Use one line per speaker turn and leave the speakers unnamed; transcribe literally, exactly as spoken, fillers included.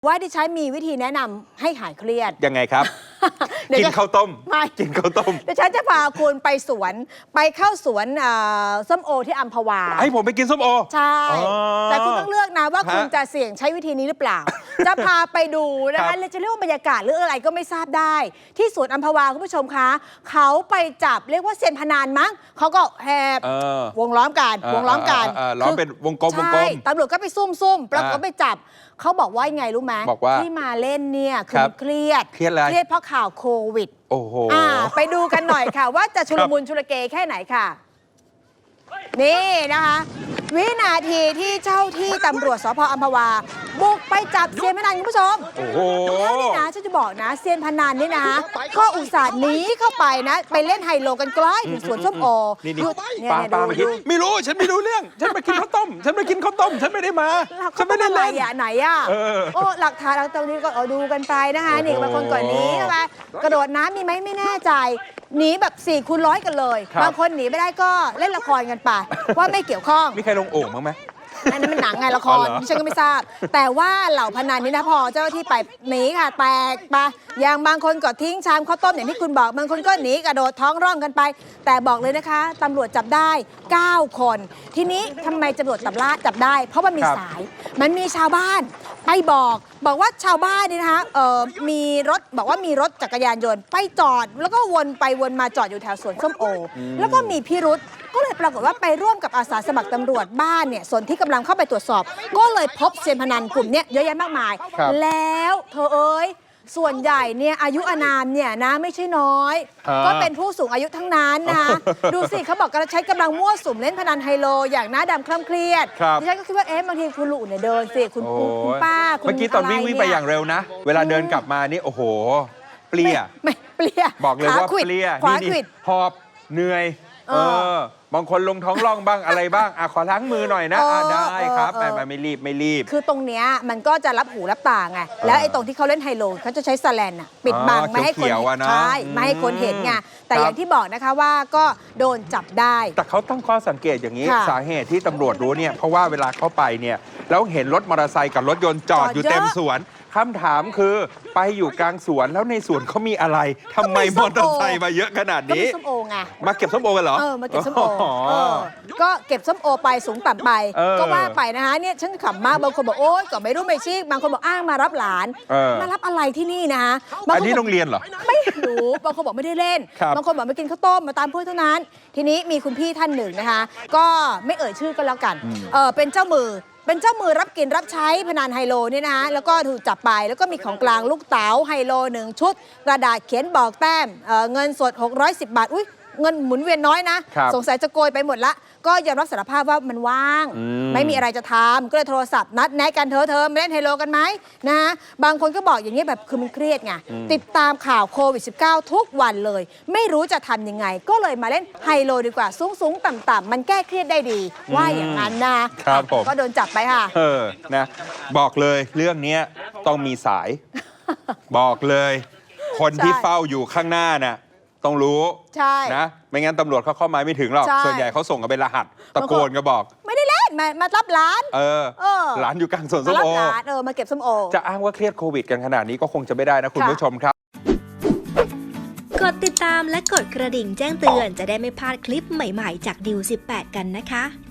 ว่าดิฉันมีวิธีแนะนำให้หายเครียด
ยังไงครับ กินข้าวต้มไม่กินข้าวต้ม
ดิฉันจะพาคุณไปสวนไปเข้าสวนส้มโอที่อัมพวา
ให้ผมไปกินส้มโอ
ใช่แต่คุณต้องเลือกนะว่าคุณจะเสี่ยงใช้วิธีนี้หรือเปล่า จะพาไปดูนะคะจะเรียกว่าบรรยากาศหรืออะไรก็ไม่ทราบได้ที่สวนอัมพวาคุณผู้ชมคะเขาไปจับเรียกว่าเซียนพนันมั้งเขาก็แหบวงล้อมกันวงล้อมกัน
ล้อมเป็นวงกลมวงกลม
ตำรวจก็ไปซุ่มซุ่มปรากฏไปจับเขาบอกว่าไงรู้ไหมที่มาเล่นเนี่ยคือเครียด
เครียดอะไร
เครียดเพราะข่าวโควิด
โอ้โห
ไปดูกันหน่อยค่ะว่าจะชุลมุนชุลเกแค่ไหนค่ะนี่นะคะวินาทีที่เจ้าที่ตำรวจสภ.อัมพวาบุกไปจับเซียนพนันคุณผู้ชม
โอ้โห
นี่นะฉันจะบอกนะเซียนพนันนี่นะก็อุตส่าห์หนีเข้าไปนะไปเล่นไฮโลกันใกล้ถึงสวนส้มโอ
นี่นี่ป้าป้าเมื่อกี้ไม่รู้ฉันไม่รู้เรื่องฉันไปกินข้าวต้มฉันไปกินข้าวต้มฉันไม่ได้มาฉันไม่ได้
เล่นไหนอ่ะโอ้หลักฐานเราตรงนี้ก็ดูกันไปนะคะนี่บางคนก่อนนี้ใช่ไหมกระโดดน้ำมีไหมไม่แน่ใจหนีแบบสี่คูณร้อยกันเลยบางคนหนีไม่ได้ก็เล่นละครกันไปว่าไม่เกี่ยวข้อง
มีใครลงโอ่งบ้างไหม
อันนั้นมันหนังไงละครฉันก็ไม่ทราบแต่ว่าเหล่าพนันนี่นะพอเจ้าหน้าที่ไปหนีค่ะแตกไปอย่างบางคนก็ทิ้งชามข้าวต้มอย่างที่คุณบอกบางคนก็หนีกระโดดท้องร่องกันไปแต่บอกเลยนะคะตำรวจจับได้เก้าคนทีนี้ทำไมตำรวจจับล่าจับได้เพราะมันมีสายมันมีชาวบ้านไปบอกบอกว่าชาวบ้านนี่นะคะเออมีรถบอกว่ามีรถจักรยานยนต์ไปจอดแล้วก็วนไปวนมาจอดอยู่แถวสวนส้มโอแล้วก็มีพิรุธก็เลยปรากฏว่าไปร่วมกับอาสาสมัครตำรวจบ้านเนี่ยส่วนที่กำลังเข้าไปตรวจสอบก็เลยพบเซียนพนันกลุ่มนี้เยอะแยะมากมายแล้วเธอเอ้ยส่วนใหญ่เนี่ยอายุอานามเนี่ยนะไม่ใช่น้อยก็เป็นผู้สูงอายุทั้งนั้นนะดูสิเขาบอกการใช้กำลังมั่วสุมเล่นพนันไฮโลอย่างหน้าดำคล่ำเครียดดิฉันก็คิดว่าเอ๊ะบางทีคุณลุงเนี่ยเดินสิคุณคุณป้า
เมื่อกี้ตอนวิ่งวิ่งไปอย่างเร็วนะเวลาเดินกลับมานี่โอ้โหเปลี่ย
ไม่เปลี่ย
บอกเลยว่าเปลี่ยนี่หอบเหนื่อยเออบางคนลงท้องร่องบ้างอะไรบ้างอ่ะขอล้างมือหน่อยนะได้ครับแต่ไม่รีบไม่รีบ
คือตรงเนี้ยมันก็จะรับหูรับตาไงแล้วไอ้ตรงที่เขาเล่นไฮโลเขาจะใช้สแลนอะปิดบังไม่ให้คนใช่ไม่ให้คนเห็นไงแต่อย่างที่บอกนะคะว่าก็โดนจับได้
แต่เขาตั้งข้อสังเกตอย่างนี้สาเหตุที่ตำรวจรู้เนี่ยเพราะว่าเวลาเข้าไปเนี่ยแล้วเห็นรถมอเตอร์ไซค์กับรถยนต์จอดอยู่เต็มสวนคำถามคือไปอยู่กลางสวนแล้วในสวนเขามีอะไรทำไมมอเตอร์ไซค์มาเยอะขนาดนี้
ส้มโอไง
มาเก็บส้มโอกันเหรอ
เออมาเก็บส้มโอก็เก็บส้มโอไปสูงต่ำไปก็ว่าไปนะคะเนี่ยฉันขำมากบางคนบอกโอ๊ยก็ไม่รู้ไม่ชี้บางคนบอกอ้างมารับหลานมารับอะไรที่นี่นะคะ
อันนี้โรงเรียนเหรอ
ไม่รู้บางคนบอกไม่ได้เล่นบางคนบอกมากินข้าวต้มมาตามเพื่อนเท่านั้นทีนี้มีคุณพี่ท่านหนึ่งนะคะก็ไม่เอ่ยชื่อก็แล้วกันเออเป็นเจ้ามือเป็นเจ้ามือรับกินรับใช้พนันไฮโลนี่นะแล้วก็ถูกจับไปแล้วก็มีของกลางลูกเต๋าไฮโลหนึ่งชุดกระดาษเขียนบอกแต้ม เ, เงินสดหกร้อยสิบบาทอุ้ยเงินหมุนเวียนน้อยนะสงสัยจะโกยไปหมดละก็ยอมรับสารภาพว่ามันว่างมไม่มีอะไรจะทำก็เลยโทรศัพท์นัดแนะกันเธอเธอมาเล่นไฮโลกันไหมนะฮะบางคนก็บอกอย่างนี้แบบคือมันเครียดไงติดตามข่าวโควิด สิบเก้า ทุกวันเลยไม่รู้จะทำยังไงก็เลยมาเล่นไฮโลดีกว่าสูงสูงต่ำต่ำมันแก้เครียดได้ดีว่าอย่างนั้นนะครับผมก็โดนจับไปค่ะ
เออนะบอกเลยเรื่องนี้ต้องมีสายบอกเลยคนที่เฝ้าอยู่ข้างหน้าน่ะต้องรู้นะไม่งั้นตำรวจเขาเข้ามาไม่ถึงหรอกส่วนใหญ่เขาส่งกันเป็นรหัสตะโกนก็บอก
ไม่ได้เล่นมามารับร้าน
เออร้านอยู่กลางสวนส้มโอ
มารับร้านเออมาเก็บส้มโอ
จะอ้างว่าเครียดโควิดกันขนาดนี้ก็คงจะไม่ได้นะคุณผู้ชมครับ
กดติดตามและกดกระดิ่งแจ้งเตือนจะได้ไม่พลาดคลิปใหม่ๆจากดิวสิบแปดกันนะคะ